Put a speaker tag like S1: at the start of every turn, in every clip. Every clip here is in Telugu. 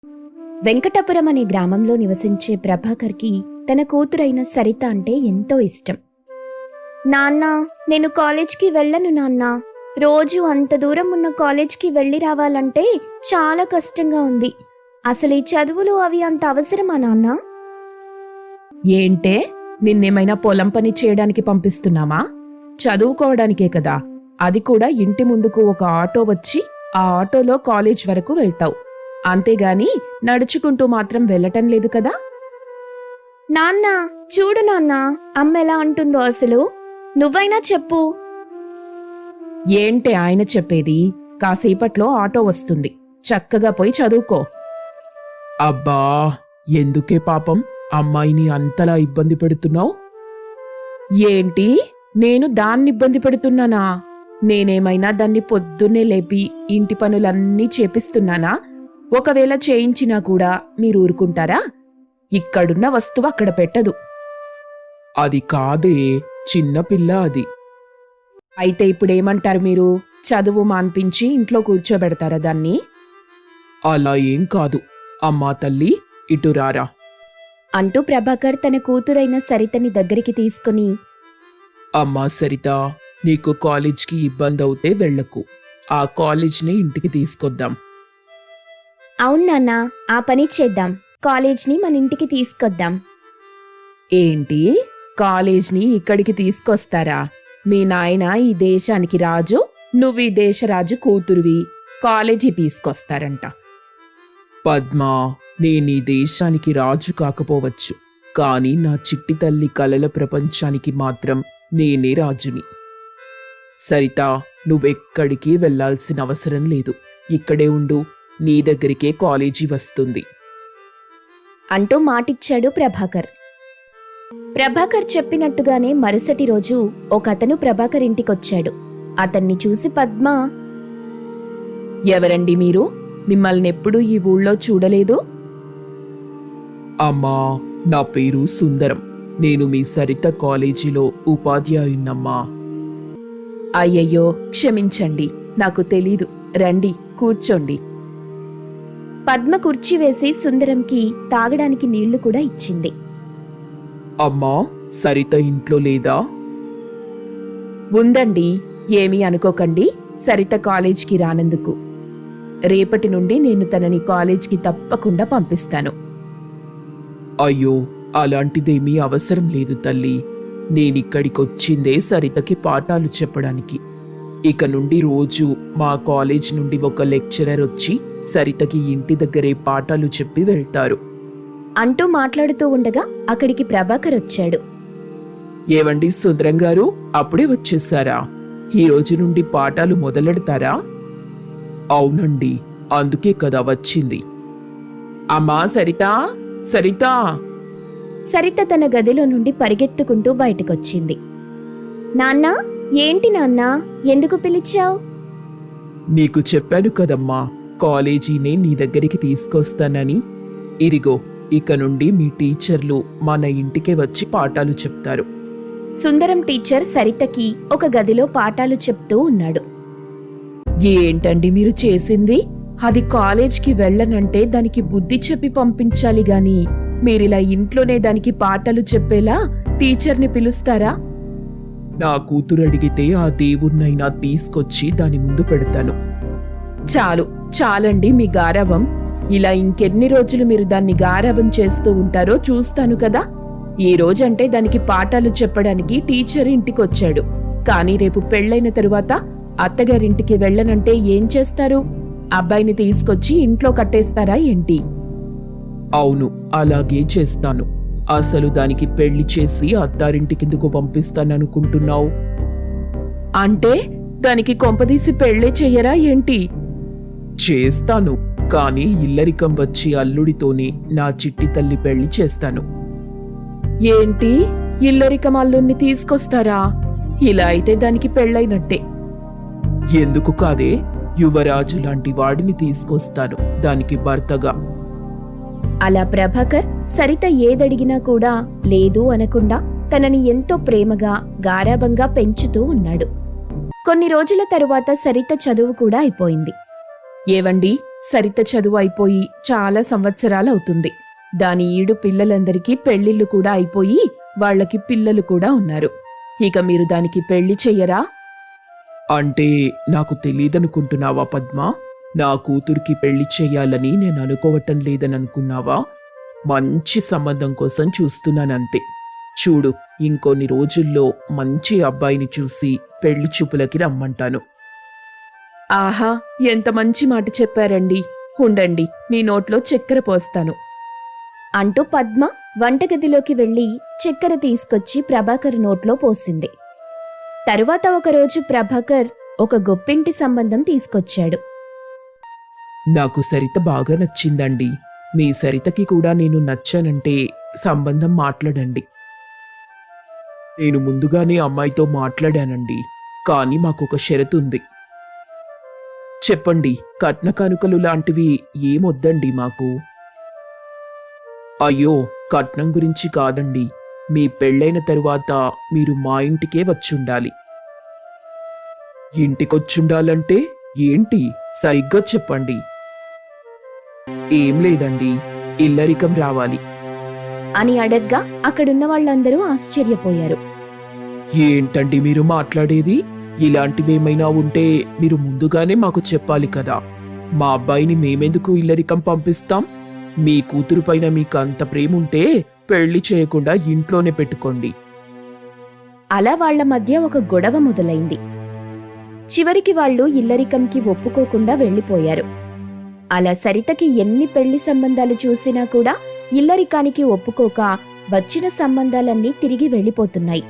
S1: వెంకటాపురం అనే గ్రామంలో నివసించే ప్రభాకర్కి తన కూతురైన సరిత అంటే ఎంతో ఇష్టం. నాన్నా, నేను కాలేజ్కి వెళ్ళను నాన్నా. రోజు అంత దూరం ఉన్న కాలేజ్కి వెళ్ళి రావాలంటే చాలా కష్టంగా ఉంది. అసలు ఈ చదువులు అవి అంత అవసరమా నాన్నా?
S2: ఏంటే, నిన్నేమైనా పొలం పని చేయడానికి పంపిస్తున్నామా? చదువుకోవడానికే కదా. అది కూడా ఇంటి ముందుకు ఒక ఆటో వచ్చి ఆ ఆటోలో కాలేజ్ వరకు వెళ్తావు. అంతేగాని నడుచుకుంటూ మాత్రం వెళ్ళటం లేదు కదా.
S1: నాన్నా, చూడు నాన్నా, అమ్మ ఎలా అంటుందో అసలు. నువ్వైనా చెప్పు.
S2: ఏంటే ఆయన చెప్పేది? కాసేపట్లో ఆటో వస్తుంది, చక్కగా పోయి చదువుకో. అబ్బా, ఎందుకే పాపం అమ్మాయిని అంతలా ఇబ్బంది పెడుతున్నావు? ఏంటి, నేను దాన్ని ఇబ్బంది పెడుతున్నానా? నేనేమైనా దాన్ని పొద్దున్నే లేపి ఇంటి పనులన్నీ చేపిస్తున్నానా? ఒకవేళ చేయించినా కూడా మీరు ఊరుకుంటారా? ఇక్కడున్న వస్తువు అక్కడ పెట్టదు. అది కాదే, చిన్నపిల్ల అది. అయితే ఇప్పుడేమంటారు మీరు? చదువు మాన్పించి ఇంట్లో కూర్చోబెడతారా దాన్ని? అలా ఏం కాదు. అమ్మా తల్లి, ఇటు రారా
S1: అంటూ ప్రభాకర్ తన కూతురైన సరితని దగ్గరికి తీసుకుని,
S2: అమ్మా సరిత, నీకు కాలేజ్కి ఇబ్బంది అవుతే వెళ్లకు. ఆ కాలేజ్ని ఇంటికి తీసుకొద్దాం.
S1: అవును నాన్నా, ఆ పని చేద్దాం. కాలేజ్ని మన ఇంటికి తీసుకొద్దాం.
S2: ఏంటి, కాలేజ్ని ఇక్కడికి తీసుకొస్తారా? మీ నాయన ఈ దేశానికి రాజు, నువ్వు ఈ దేశరాజు కూతురువి. కాలేజీ తీసుకొస్తారంట. పద్మా, నేనీ దేశానికి రాజు కాకపోవచ్చు, కాని నా చిట్టి తల్లి కలల ప్రపంచానికి మాత్రం నేనే రాజుని. సరిత, నువ్వెక్కడికి వెళ్లాల్సిన అవసరం లేదు. ఇక్కడే ఉండు, నీ దగ్గరికే కాలేజీ వస్తుంది
S1: అంటూ మాటిచ్చాడు ప్రభాకర్. ప్రభాకర్ చెప్పినట్టుగానే మరుసటి రోజు ఒకతను ప్రభాకర్ ఇంటికొచ్చాడు. అతన్ని చూసి పద్మ,
S2: ఎవరండి మీరు? మిమ్మల్నెప్పుడూ ఈ ఊళ్ళో చూడలేదు. అమ్మా, నా పేరు సుందరం. నేను మీ సరిత కాలేజీలో ఉపాధ్యాయున్నమ్మా. అయ్యయ్యో, క్షమించండి, నాకు తెలీదు. రండి, కూర్చోండి.
S1: పద్మ కుర్చీ వేసి సుందరంకి తాగడానికి నీళ్లు కూడా ఇచ్చింది.
S2: అమ్మా, సరిత ఇంట్లో లేదా? ఉందండి, ఏమీ అనుకోకండి. సరిత కాలేజ్కి రానందుకు. రేపటి నుండి నేను తనని కాలేజ్కి తప్పకుండా పంపిస్తాను. అయ్యో, అలాంటిదేమీ అవసరం లేదు తల్లి. నేనిక్కడికొచ్చిందే సరితకి పాఠాలు చెప్పడానికి. ఇక నుండి రోజు మా కాలేజ్ నుండి ఒక లెక్చరర్ వచ్చి సరితకి ఇంటి దగ్గరే పాఠాలు చెప్పి వెళ్తారు
S1: అంటూ మాట్లాడుతూ ఉండగా అక్కడికి ప్రభాకర్ వచ్చాడు.
S2: ఏవండి సుందరం గారు, అప్పుడే వచ్చేసారా? ఈ రోజు నుండి పాఠాలు మొదలెడతారా? అవునండి, అందుకే కదా వచ్చింది. అమ్మా సరిత, సరిత.
S1: సరిత తన గదిలో నుండి పరిగెత్తుకుంటూ బయటకొచ్చింది. నాన్నా, ఏంటి నాన్నా, ఎందుకు పిలిచావు?
S2: నీకు చెప్పాను కదమ్మా, కాలేజీనే నీ దగ్గరికి తీసుకొస్తానని. ఇదిగో, ఇక నుండి మీ టీచర్లు మన ఇంటికే వచ్చి పాఠాలు చెప్తారు.
S1: సుందరం టీచర్ సరితకి ఒక గదిలో పాఠాలు చెప్తూ ఉన్నాడు.
S2: ఏంటండి మీరు చేసింది? అది కాలేజ్కి వెళ్ళనంటే దానికి బుద్ధి చెప్పి పంపించాలి గాని మీరిలా ఇంట్లోనే దానికి పాఠాలు చెప్పేలా టీచర్ని పిలుస్తారా? నా కూతురు అడిగితే ఆ దేవుణ్ణైనా తీసుకొచ్చి దాని ముందు పెడతాను. చాలు, చాలండి మీ గారాబం. ఇలా ఇంకెన్ని రోజులు మీరు దాన్ని గారాబం చేస్తూ ఉంటారో చూస్తాను కదా. ఈ రోజంటే దానికి పాఠాలు చెప్పడానికి టీచర్ ఇంటికొచ్చాడు. కానీ రేపు పెళ్లైన తరువాత అత్తగారింటికి వెళ్ళనంటే ఏం చేస్తారు? అబ్బాయిని తీసుకొచ్చి ఇంట్లో కట్టేస్తారా ఏంటి? అవును, అలాగే చేస్తాను. అసలు దానికి పెళ్లి చేసి అత్తారింటికిందుకు పంపిస్తాననుకుంటున్నావు? అంటే దానికి కొంపదీసి పెళ్లే చెయ్యరా ఏంటి? చేస్తాను, కానీ ఇల్లరికం వచ్చి అల్లుడితోనే నా చిట్టి తల్లి పెళ్లి చేస్తాను. ఏంటి, ఇల్లరికం అల్లుణ్ణి తీసుకొస్తారా? ఇలా అయితే దానికి పెళ్లైనట్టే. ఎందుకు కాదే, యువరాజు లాంటి వాడిని తీసుకొస్తాను దానికి భర్తగా.
S1: అలా ప్రభాకర్ సరిత ఏదడిగినా కూడా లేదు అనకుండా తనని ఎంతో ప్రేమగా గారాబంగా పెంచుతూ ఉన్నాడు. కొన్ని రోజుల తరువాత సరిత చదువు కూడా అయిపోయింది.
S2: ఏవండి, సరిత చదువు అయిపోయి చాలా సంవత్సరాలవుతుంది. దాని ఈడు పిల్లలందరికీ పెళ్లిళ్ళు కూడా అయిపోయి వాళ్ళకి పిల్లలు కూడా ఉన్నారు. ఇక మీరు దానికి పెళ్లి చెయ్యరా?
S3: అంటే నాకు తెలీదనుకుంటున్నావా పద్మా? నా కూతురికి పెళ్లి చెయ్యాలని నేను అనుకోవటం లేదననుకున్నావా? మంచి సంబంధం కోసం చూస్తున్నానంతే. చూడు, ఇంకొన్ని రోజుల్లో మంచి అబ్బాయిని చూసి పెళ్లి చూపులకి రమ్మంటాను.
S2: ఆహా, ఎంత మంచి మాట చెప్పారండి. ఉండండి, మీ నోట్లో చక్కెర పోస్తాను
S1: అంటూ పద్మ వంటగదిలోకి వెళ్లి చక్కెర తీసుకొచ్చి ప్రభాకర్ నోట్లో పోసింది. తరువాత ఒకరోజు ప్రభాకర్ ఒక గొప్పింటి సంబంధం తీసుకొచ్చాడు.
S3: నాకు సరిత బాగా నచ్చిందండి. మీ సరితకి కూడా నేను నచ్చానంటే సంబంధం మాట్లాడండి. నేను ముందుగానే అమ్మాయితో మాట్లాడానండి, కానీ మాకొక షరతుంది. చెప్పండి, కట్న కానుకలు లాంటివి ఏమొద్దండి మాకు. అయ్యో, కట్నం గురించి కాదండి. మీ పెళ్ళైన తరువాత మీరు మా ఇంటికే వచ్చుండాలి. ఇంటికొచ్చుండాలంటే ఏంటి? సరిగ్గా చెప్పండి. ఏం లేదండి, ఇల్లరికం రావాలి
S1: అని అడగ్గా అక్కడున్న వాళ్ళందరూ ఆశ్చర్యపోయారు.
S3: ఏంటండి మీరు మాట్లాడేది? ఇలాంటివేమైనా ఉంటే మీరు ముందుగానే మాకు చెప్పాలి కదా. మా అబ్బాయిని మేమెందుకు ఇల్లరికం పంపిస్తాం? మీ కూతురు పైన మీకు అంత ప్రేముంటే పెళ్లి చేయకుండా ఇంట్లోనే పెట్టుకోండి.
S1: అలా వాళ్ల మధ్య ఒక గొడవ మొదలైంది. చివరికి వాళ్ళు ఇల్లరికంకి ఒప్పుకోకుండా వెళ్లిపోయారు. అలా సరితకి ఎన్ని పెళ్లి సంబంధాలు చూసినా కూడా ఇల్లరికానికి ఒప్పుకోక వచ్చిన సంబంధాలన్నీ తిరిగి వెళ్లిపోతున్నాయి.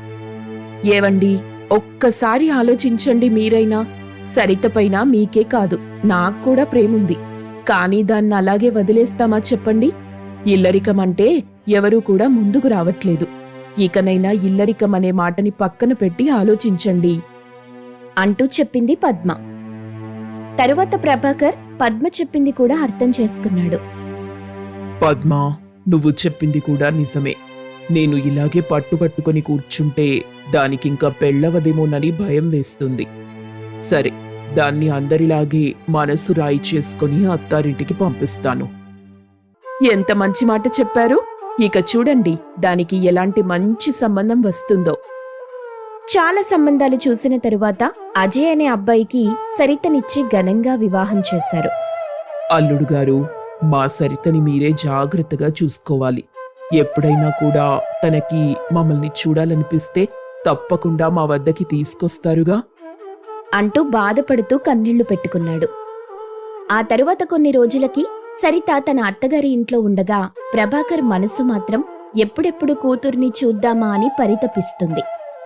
S2: ఏవండి, ఒక్కసారి ఆలోచించండి మీరైనా. సరితపైన మీకే కాదు, నాకు కూడా ప్రేముంది. కానీ దాన్ని అలాగే వదిలేస్తామా చెప్పండి? ఇల్లరికమంటే ఎవరూ కూడా ముందుకు రావట్లేదు. ఇకనైనా ఇల్లరికం అనే మాటని పక్కన పెట్టి ఆలోచించండి
S1: అంటూ చెప్పింది పద్మ. తరువాత ప్రభాకర్ పద్మ చెప్పింది కూడా అర్థం చేసుకున్నాడు.
S3: పద్మా, నువ్వు చెప్పింది కూడా నిజమే. నేను ఇలాగే పట్టుబట్టుకొని కూర్చుంటే దానికింకా పెళ్ళవదేమోనని భయం వేస్తుంది. సరే, దాన్ని అందరిలాగే మనసు రాయి చేసుకుని అత్తారింటికి పంపిస్తాను.
S2: ఎంత మంచి మాట చెప్పారు. ఇక చూడండి, దానికి ఎలాంటి మంచి సంబంధం వస్తుందో.
S1: చాలా సంబంధాలు చూసిన తరువాత అజయ్ అనే అబ్బాయికి సరితనిచ్చి ఘనంగా వివాహం చేశారు.
S3: అల్లుడు గారు, మా సరితని మీరే జాగ్రత్తగా చూసుకోవాలి. ఎప్పుడైనా కూడా తనకి మమ్మల్ని చూడాలనిపిస్తే తప్పకుండా మా వద్దకి తీసుకొస్తారుగా
S1: అంటూ బాధపడుతూ కన్నీళ్లు పెట్టుకున్నాడు. ఆ తరువాత కొన్ని రోజులకి సరిత తన అత్తగారి ఇంట్లో ఉండగా ప్రభాకర్ మనసు మాత్రం ఎప్పుడెప్పుడు కూతుర్ని చూద్దామా అని పరితపిస్తుంది.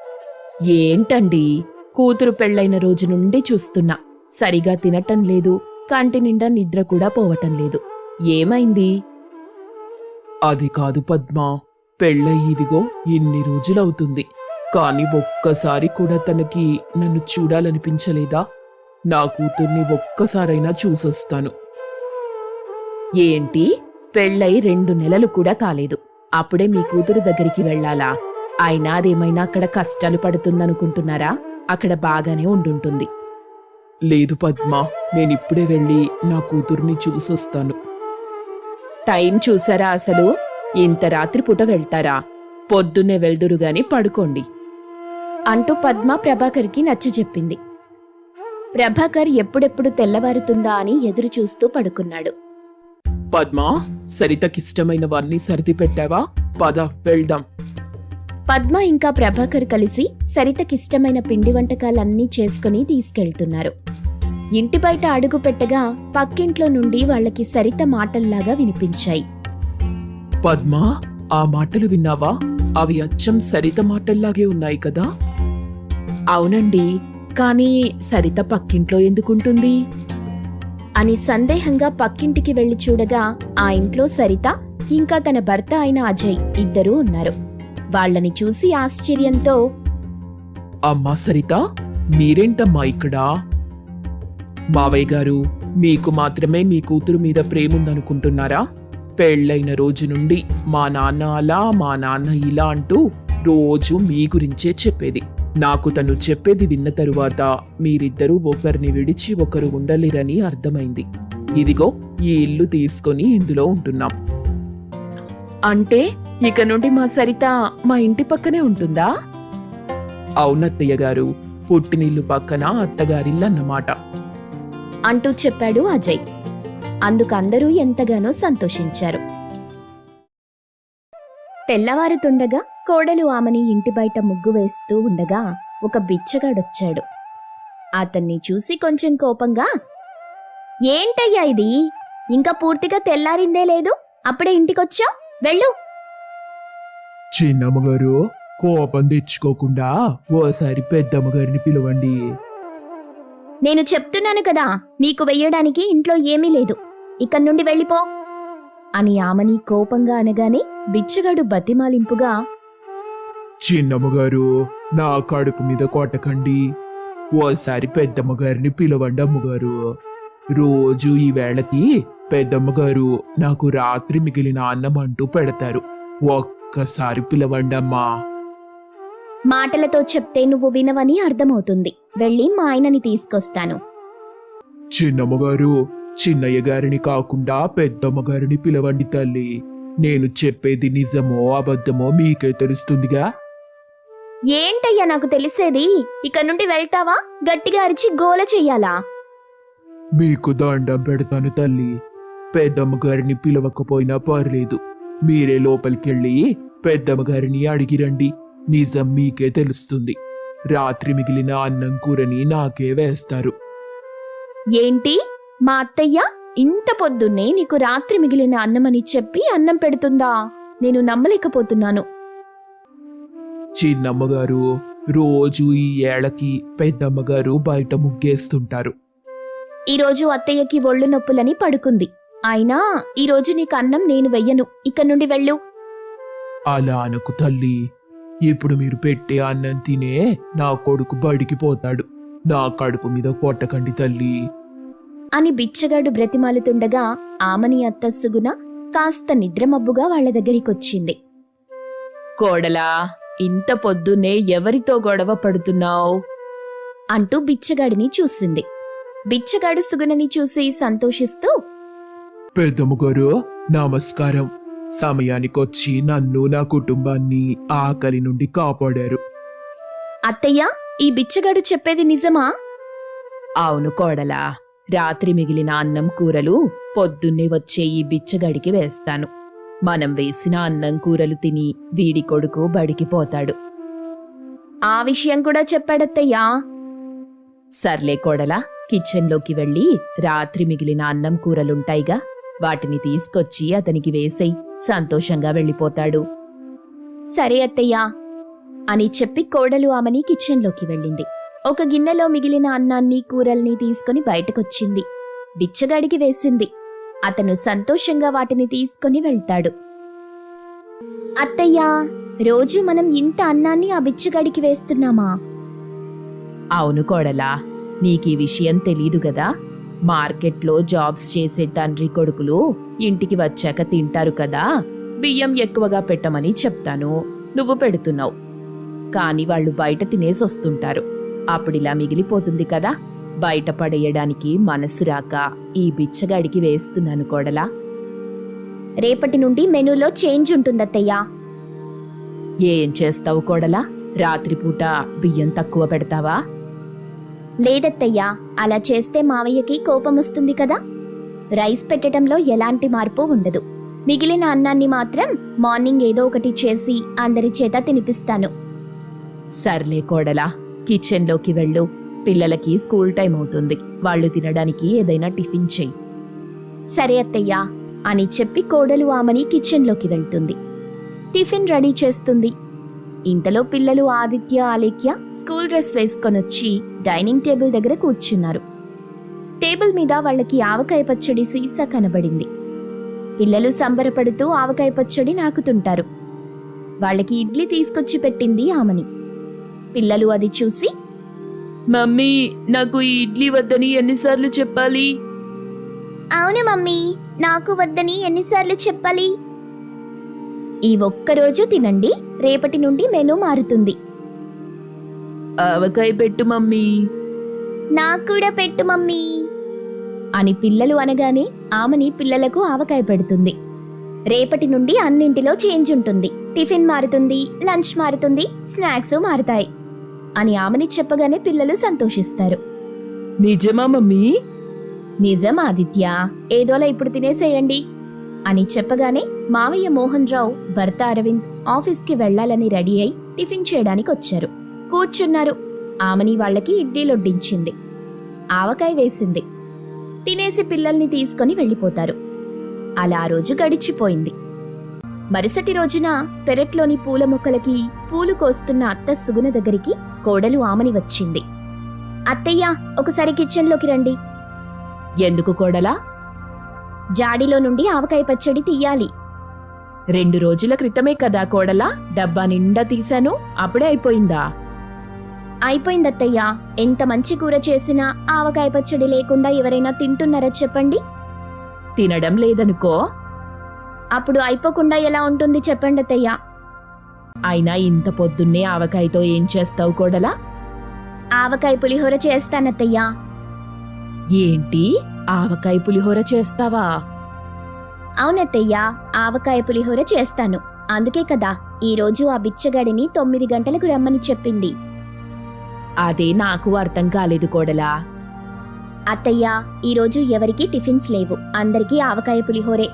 S2: ఏంటండి, కూతురు పెళ్లైన రోజు నుండి చూస్తున్నా. సరిగా తినటం లేదు, కంటి నిండా నిద్ర కూడా పోవటం లేదు. ఏమైంది?
S3: అది కాదు పద్మా, పెళ్ళయిదిగో ఇన్ని రోజులవుతుంది. కాని ఒక్కసారి కూడా తనకి నన్ను చూడాలనిపించలేదా? నా కూతుర్ని ఒక్కసారైనా చూసొస్తాను.
S2: ఏంటి, పెళ్ళై 2 నెలలు కూడా కాలేదు, అప్పుడే మీ కూతురు దగ్గరికి వెళ్ళాలా? అయినా అదేమైనా అక్కడ కష్టాలు పడుతుందనుకుంటున్నారా? అక్కడ బాగానే ఉండుంటుంది.
S3: లేదు పద్మా, నేనిప్పుడే వెళ్ళి నా కూతుర్ని చూసొస్తాను.
S2: టైం చూసారా అసలు? ఇంత రాత్రిపూట వెళ్తారా? పొద్దున్నే వెళ్దురుగాని పడుకోండి
S1: అంటూ పద్మ ప్రభాకర్కి నచ్చజెప్పింది. ప్రభాకర్ ఎప్పుడెప్పుడు తెల్లవారుతుందా అని ఎదురుచూస్తూ పడుకున్నాడు.
S3: పద్మా, సరితకిష్టమైనవన్నీ సర్ది పెట్టావా? పద వెళ్దాం.
S1: పద్మ ఇంకా ప్రభాకర్ కలిసి సరితకిష్టమైన పిండి వంటకాలన్నీ చేసుకుని తీసుకెళ్తున్నారు. ఇంటి బయట అడుగు పెట్టగా పక్కింట్లో నుండి వాళ్ళకి సరిత మాటల్లాగా వినిపించాయి.
S3: పద్మా, ఆ మాటలు విన్నావా? అవి అచ్చం సరిత మాటల్లాగే ఉన్నాయి కదా.
S2: అవునండి, కానీ సరిత పక్కింట్లో ఎందుకుంటుంది
S1: అని సందేహంగా పక్కింటికి వెళ్లి చూడగా ఆ ఇంట్లో సరిత ఇంకా తన భర్త అయిన అజయ్ ఇద్దరూ ఉన్నారు. వాళ్ళని చూసి ఆశ్చర్యంతో,
S3: అమ్మా సరిత, మీరేంటమ్మా ఇక్కడ? మావయ్య గారు, మీకు మాత్రమే మీ కూతురు మీద ప్రేముందనుకుంటున్నారా? పెళ్ళైన రోజు నుండి మా నాన్న అలా, మా నాన్న ఇలా అంటూ రోజు మీ గురించే చెప్పేది. నాకు తను చెప్పేది విన్న తరువాత మీరిద్దరూ ఒకరిని విడిచి ఒకరు ఉండలేరని అర్థమైంది. ఇదిగో ఈ ఇల్లు తీసుకొని ఇందులో ఉంటున్నాం.
S2: అంటే ఇక నుండి మా సరిత మా ఇంటి పక్కనే ఉంటుందా?
S3: అవునత్తయ్య గారు, పుట్టినిల్లు పక్కన అత్తగారిల్లు అన్నమాట.
S1: అంటూ చెప్పాడు అజయ్. అందుకు అందరూ ఎంతగానో సంతోషించారు. తెల్లవారుతుండగా కోడలు ఆమెని ఇంటి బయట ముగ్గు వేస్తూ ఉండగా ఒక బిచ్చగాడొచ్చాడు. అతన్ని చూసి కొంచెం కోపంగా, ఏంటయ్యా ఇది, ఇంకా పూర్తిగా తెల్లారిందే లేదు, అప్పుడే ఇంటికొచ్చావు, వెళ్ళు.
S3: చిన్నమ్మగారు, కోపం తెచ్చుకోకుండా ఓసారి పెద్దమ్మగారిని పిలవండి.
S1: నేను చెప్తున్నాను కదా, నీకు వెయ్యడానికి ఇంట్లో ఏమీ లేదు, ఇక్కడి నుండి వెళ్ళిపో అని ఆమెని కోపంగా అనగానే బిచ్చగాడు బతిమాలింపుగా,
S3: చిన్నమ్మగారు, నా కడుపు మీద కొట్టకండి. ఓసారి పెద్దమ్మగారిని పిలవండి అమ్మగారు. రోజు ఈ వేళకి పెద్దమ్మగారు నాకు రాత్రి మిగిలిన అన్నం అంటూ పెడతారు. ఒక్కసారి పిలవండి అమ్మా.
S1: మాటలతో చెప్తే నువ్వు వినవని అర్థమవుతుంది, వెళ్ళి మా ఆయనని తీసుకొస్తాను.
S3: చిన్నమ్మగారు, చిన్నయ్య గారిని కాకుండా పెద్దమ్మగారిని పిలవండి తల్లి. నేను చెప్పేది నిజమో అబద్ధమో మీకే తెలుస్తుందిగా.
S1: ఏంటయ్యా నాకు తెలిసేది, ఇక నుండి వెళ్తావా, గట్టిగా అరిచి గోల చెయ్యాలా?
S3: మీకు దండం పెడతాను తల్లి. పెద్దమ్మగారిని పిలవకపోయినా పర్లేదు, మీరే లోపలికెళ్ళి పెద్దమ్మగారిని అడిగిరండి. నిజం మీకే తెలుస్తుంది. రాత్రి మిగిలిన అన్నం కూరని నాకే వేస్తారు.
S1: ఏంటి, మా అత్తయ్య ఇంత పొద్దున్నే నీకు రాత్రి మిగిలిన అన్నమని చెప్పి అన్నం పెడుతుందా? నేను నమ్మలేకపోతున్నాను.
S3: చిన్నమ్మగారు, రోజు ఈ ఏళకి పెద్దమ్మగారు బయట ముగ్గేస్తుంటారు.
S1: ఈరోజు అత్తయ్యకి ఒళ్ళు నొప్పులని పడుకుంది, అయినా ఈరోజు నీకు అన్నం నేను వెయ్యను, ఇక్కడి నుండి వెళ్ళు.
S3: అలా అనుకు తల్లి. ఇప్పుడు మీరు పెట్టే అన్నం తినే నా కొడుకు బడికి పోతాడు. నా కడుపు మీద కొట్టకండి తల్లి
S1: అని బిచ్చగాడు బ్రతిమాలుతుండగా ఆమని అత్త సుగుణ కాస్త నిద్రమబ్బుగా వాళ్ల దగ్గరికొచ్చింది.
S2: కోడలా, ఇంత పొద్దున్నే ఎవరితో గొడవ పడుతున్నావు?
S1: అంటూ బిచ్చగాడిని చూసింది. బిచ్చగాడు సుగుణని చూసి సంతోషిస్తూ,
S3: పెద్దమ్మగారు నమస్కారం. సమయానికొచ్చి నన్ను నా కుటుంబాన్ని ఆకలి నుండి కాపాడారు.
S1: అత్తయ్య, ఈ బిచ్చగాడు చెప్పేది నిజమా?
S2: అవును కోడలా, రాత్రి మిగిలిన అన్నం కూరలు పొద్దున్నే వచ్చే ఈ బిచ్చగాడికి వేస్తాను. మనం వేసిన అన్నం కూరలు తిని వీడి కొడుకు బడికి పోతాడు.
S1: ఆ విషయం కూడా చెప్పాడత్తయ్యా.
S2: సర్లే కోడలా, కిచెన్లోకి వెళ్ళి రాత్రి మిగిలిన అన్నం కూరలుంటాయిగా, వాటిని తీసుకొచ్చి అతనికి వేసేయ్, సంతోషంగా వెళ్ళిపోతాడు.
S1: సరే అత్తయ్యా అని చెప్పి కోడలు ఆమెని కిచెన్లోకి వెళ్ళింది. ఒక గిన్నెలో మిగిలిన అన్నాన్ని కూరల్ని తీసుకుని బయటకొచ్చింది. బిచ్చగాడికి వేసింది. అతను సంతోషంగా వాటిని తీసుకుని వెళ్తాడు. అత్తయ్యా, రోజు మనం ఇంత అన్నాన్ని ఆ బిచ్చగాడికి వేస్తున్నామా?
S2: అవును కోడలా, నీకీ విషయం తెలీదు గదా. మార్కెట్లో జాబ్స్ చేసే తండ్రి కొడుకులు ఇంటికి వచ్చాక తింటారు కదా, బియ్యం ఎక్కువగా పెట్టమని చెప్తాను, నువ్వు పెడుతున్నావు. కాని వాళ్ళు బయట తినేసొస్తుంటారు, అప్పుడిలా మిగిలిపోతుంది కదా, బయట పడేయడానికి మనసు రాక ఈ బిచ్చగాడికి వేస్తున్నాను కోడలా.
S1: రేపటి నుండి మెనూలో చేంజ్ ఉంటుందత్తయ్యా.
S2: ఏం చేస్తావు కోడలా, రాత్రిపూట బియ్యం తక్కువ పెడతావా?
S1: లేదత్తయ్యా, అలా చేస్తే మావయ్యకి కోపం వస్తుంది కదా. రైస్ పెట్టడంలో ఎలాంటి మార్పు ఉండదు. మిగిలిన అన్నాన్ని మాత్రం మార్నింగ్ ఏదో ఒకటి చేసి అందరి చేత తినిపిస్తాను.
S2: సర్లే కోడలా, కిచెన్లోకి వెళ్ళు. పిల్లలకి స్కూల్ టైం అవుతుంది, వాళ్ళు తినడానికి ఏదైనా టిఫిన్ చెయ్యి.
S1: సరే అత్తయ్యా అని చెప్పి కోడలు ఆమెని కిచెన్లోకి వెళ్తుంది. టిఫిన్ రెడీ చేస్తుంది. ఇంతలో పిల్లలు ఆదిత్య, ఆలేఖ్య స్కూల్ డ్రెస్ వేసుకొనొచ్చి డైనింగ్ టేబుల్ దగ్గర కూర్చున్నారు. టేబుల్ మీద వాళ్ళకి ఆవకాయ పచ్చడి సీసా కనబడింది. పిల్లలు సంబరపడుతూ ఆవకాయ పచ్చడి నాకుతుంటారు. వాళ్ళకి ఇడ్లీ తీసుకొచ్చి పెట్టింది ఆమెని. పిల్లలు అది చూసి,
S2: మమ్మీ, నాకు ఈ ఇడ్లీ వద్దని ఎన్నిసార్లు చెప్పాలి?
S1: అవును మమ్మీ, నాకు వద్దని ఎన్నిసార్లు చెప్పాలి? ఈ ఒక్కరోజు తినండి, రేపటి నుండి మెనూ మారుతుంది.
S2: ఆవకాయ పెట్టు మమ్మీ
S1: నాకు కూడా పెట్టు మమ్మీ అని పిల్లలు అనగానే ఆమెని పిల్లలకు ఆవకాయ పెడుతుంది. రేపటి నుండి అన్నింటిలో చేంజ్ ఉంటుంది. టిఫిన్ మారుతుంది, లంచ్ మారుతుంది, స్నాక్స్ మారుతాయి అని ఆమెని చెప్పగానే పిల్లలు సంతోషిస్తారు.
S2: నిజమా మమ్మీ?
S1: నిజం ఆదిత్య, ఏదోలా ఇప్పుడు తినేసేయండి అని చెప్పగానే మావయ్య మోహన్ రావు భర్త అరవింద్ ఆఫీస్కి వెళ్లాలని రెడీ అయి టిఫిన్ చేయడానికి వచ్చారు. కూర్చున్నారు. ఆమెని వాళ్ళకి ఇడ్లీలొడ్డించింది, ఆవకాయ వేసింది. తినేసి పిల్లల్ని తీసుకుని వెళ్ళిపోతారు. అలా రోజు గడిచిపోయింది. మరుసటి రోజున పెరట్లోని పూల మొక్కలకి పూలు కోస్తున్న అత్త సుగుణ దగ్గరికి కోడలు ఆమని వచ్చింది. అత్తయ్య, ఒకసారి కిచెన్లోకి రండి.
S2: ఎందుకు కోడలా?
S1: జాడీలో నుండి ఆవకాయ పచ్చడి తీయాలి.
S2: 2 రోజుల క్రితమే కదా కోడలా డబ్బా నిండా తీశాను, అప్పుడే అయిపోయిందా?
S1: అయిపోయిందత్తయ్య. ఎంత మంచి కూర చేసినా ఆవకాయ పచ్చడి లేకుండా ఎవరైనా తింటున్నారా చెప్పండి?
S2: తినడం లేదనుకో.
S1: అప్పుడు అయిపోకుండా ఎలా ఉంటుంది చెప్పండి అత్తయ్య.
S2: అయినా ఇంత పొద్దున్నే ఆవకాయతో ఏం చేస్తావు కోడలా?
S1: ఆవకాయ పులిహోర చేస్తానత్తయ్యా.
S2: ఏంటి, ఆవకాయ పులిహోర చేస్తావా?
S1: అవునత్తయ్యా, ఆవకాయ పులిహోర చేస్తాను. అందుకే కదా ఈరోజు ఆ బిచ్చగాడిని 9 గంటలకు రమ్మని చెప్పింది.
S2: అదే నాకు అర్థం కాలేదు కోడలా.
S1: అత్తయ్యా, ఈరోజు ఎవరికీ టిఫిన్స్ లేవు, అందరికీ ఆవకాయ పులిహోరే.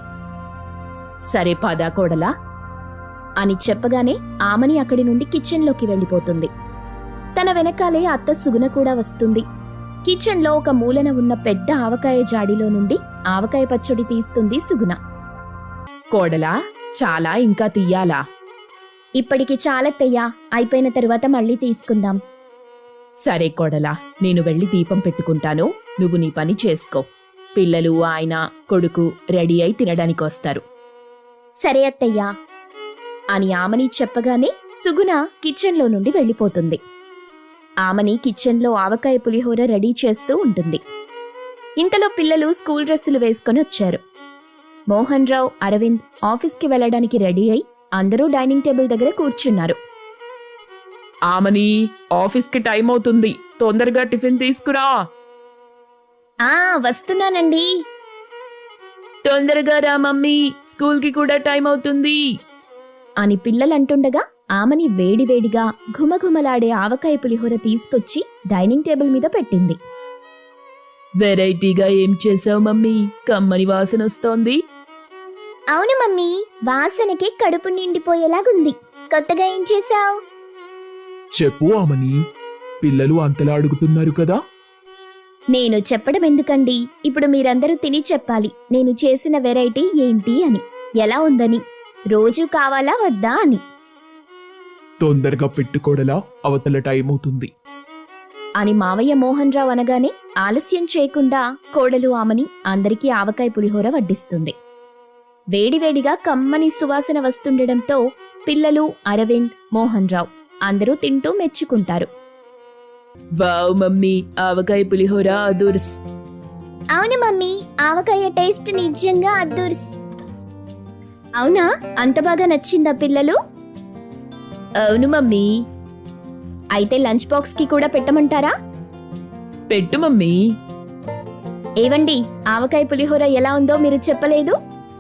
S2: సరే పదా కోడలా
S1: అని చెప్పగానే ఆమని అక్కడి నుండి కిచెన్లోకి వెళ్ళిపోతుంది. తన వెనకాలే అత్త సుగుణ కూడా వస్తుంది. కిచెన్లో ఒక మూలన ఉన్న పెద్ద ఆవకాయ జాడీలో నుండి ఆవకాయ పచ్చడి తీస్తుంది సుగుణ.
S2: కోడలా, చాలా ఇంకా తీయాలా?
S1: ఇప్పటికి చాలత్తయ్యా, అయిపోయిన తరువాత మళ్ళీ తీసుకుందాం.
S2: సరే కోడలా, నేను వెళ్ళి దీపం పెట్టుకుంటాను, నువ్వు నీ పని చేసుకో. పిల్లలు, ఆయన, కొడుకు రెడీ అయి తినడానికొస్తారు.
S1: సరే అత్తయ్యా అని ఆమని చెప్పగానే సుగుణ కిచెన్లో నుండి వెళ్ళిపోతుంది. ఆమని కిచెన్లో ఆవకాయ పులిహోర రెడీ చేస్తూ ఉంటుంది. ఇంతలో పిల్లలు స్కూల్ డ్రెస్సులు వేసుకొని వచ్చారు. మోహన్ రావు, అరవింద్ ఆఫీస్కి వెళ్లడానికి రెడీ అయి అందరూ డైనింగ్ టేబుల్ దగ్గర కూర్చున్నారు.
S3: ఆమని, ఆఫీస్కి టైం అవుతుంది, తొందరగా టిఫిన్ తీసుకురా.
S1: వస్తున్నానండి.
S2: తొందరగా రా మమ్మీ, స్కూల్కి కూడా టైం అవుతుంది
S1: అని పిల్లలంటుండగా ఆమని వేడివేడిగా ఘుమఘుమలాడే ఆవకాయ పులిహోర తీసుకొచ్చి డైనింగ్ టేబుల్ మీద పెట్టింది.
S2: వెరైటీగా ఏం చేసావు మమ్మీ, కమ్మని వాసన వస్తోంది.
S1: అవును మమ్మీ, వాసనకి కడుపు నిండిపోయేలాగుంది. కొత్తగా ఏం చేశావు?
S3: చెప్పు ఆమని, పిల్లలు అంతలా అడుగుతున్నారు కదా.
S1: నేను చెప్పడం ఎందుకండి, ఇప్పుడు మీరందరూ తిని చెప్పాలి నేను చేసిన వెరైటీ ఏంటి అని, ఎలా ఉందని, రోజు కావాలా వద్దా అని.
S3: తొందరగా పెట్టుకోడలా, అవతల టైం అవుతుంది
S1: అని మావయ్య మోహన్ రావు అనగానే ఆలస్యం చేయకుండా కోడలు ఆమని అందరికీ ఆవకాయ పులిహోర వడ్డిస్తుంది. వేడివేడిగా కమ్మని సువాసన వస్తుండడంతో పిల్లలు, అరవింద్, మోహన్ రావు అందరూ తింటూ మెచ్చుకుంటారు.
S2: వావ్ మమ్మీ, ఆవకాయ పులిహోర అదుర్స్.
S1: అవును మమ్మీ, ఆవకాయ టేస్ట్ నిజంగా అద్దుర్స్. అవునా, అంత బాగా నచ్చిందా పిల్లలు?
S2: అవును మమ్మీ.
S1: అయితే లంచ్ బాక్స్ కి కూడా పెట్టమంటారా?
S2: పెట్టు మమ్మీ.
S1: ఏవండి, ఆవకాయ పులిహోర ఎలా ఉందో మీరు చెప్పలేదు.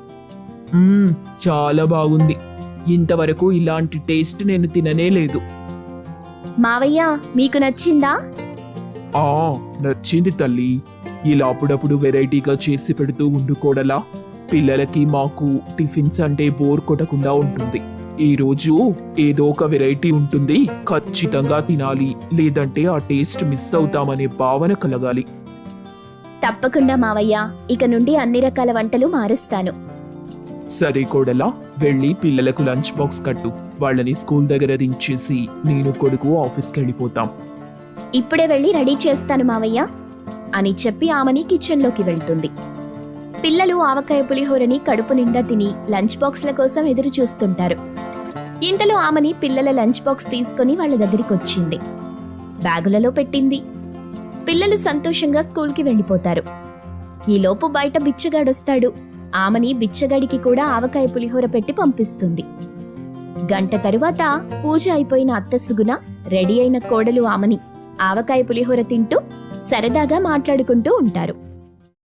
S3: చాలా బాగుంది. ఇంతవరకు ఇలాంటి టేస్ట్ నేను తిననే లేదు.
S1: మావయ్య, మీకు నచ్చిందా?
S3: నచ్చింది తల్లి. ఇలా అప్పుడప్పుడు వెరైటీగా చేసి పెడుతూ ఉండుకోడలా, పిల్లలకి మాకు టిఫిన్స్ అంటే బోర్ కొట్టకుండా ఉంటుంది. ఈ రోజు ఏదో ఒక వెరైటీ ఉంటుంది, ఖచ్చితంగా తినాలి, లేదంటే ఆ టేస్ట్ మిస్ అవుతామనే భావన కలగాలి.
S1: తప్పకుండా మావయ్య, ఇక నుండి అన్ని రకాల వంటలు మారుస్తాను.
S3: సరే కోడలా, వెళ్ళి పిల్లలకు లంచ్ బాక్స్ కట్టు. వాళ్ళని స్కూల్ దగ్గర దించేసి నేను, కొడుకు ఆఫీస్కి వెళ్ళిపోతాం.
S1: ఇప్పుడే వెళ్ళి రెడీ చేస్తాను మావయ్య అని చెప్పి ఆమెని కిచెన్లోకి వెళ్తుంది. పిల్లలు ఆవకాయ పులిహోరని కడుపు నిండా తిని లంచ్ బాక్స్ల కోసం ఎదురు చూస్తుంటారు. ఇంతలో ఆమెని పిల్లల లంచ్ బాక్స్ తీసుకుని వాళ్ళ దగ్గరికి వచ్చింది. బ్యాగులలో పెట్టింది. పిల్లలు సంతోషంగా స్కూల్కి వెళ్ళిపోతారు. ఈలోపు బయట బిచ్చగాడొస్తాడు. ఆమెని బిచ్చగాడికి కూడా ఆవకాయ పులిహోర పెట్టి పంపిస్తుంది. గంట తరువాత పూజ అయిపోయిన అత్త సుగుణ రెడీ అయిన కోడలు ఆమని ఆవకాయ పులిహోర తింటూ సరదాగా మాట్లాడుకుంటూ ఉంటారు.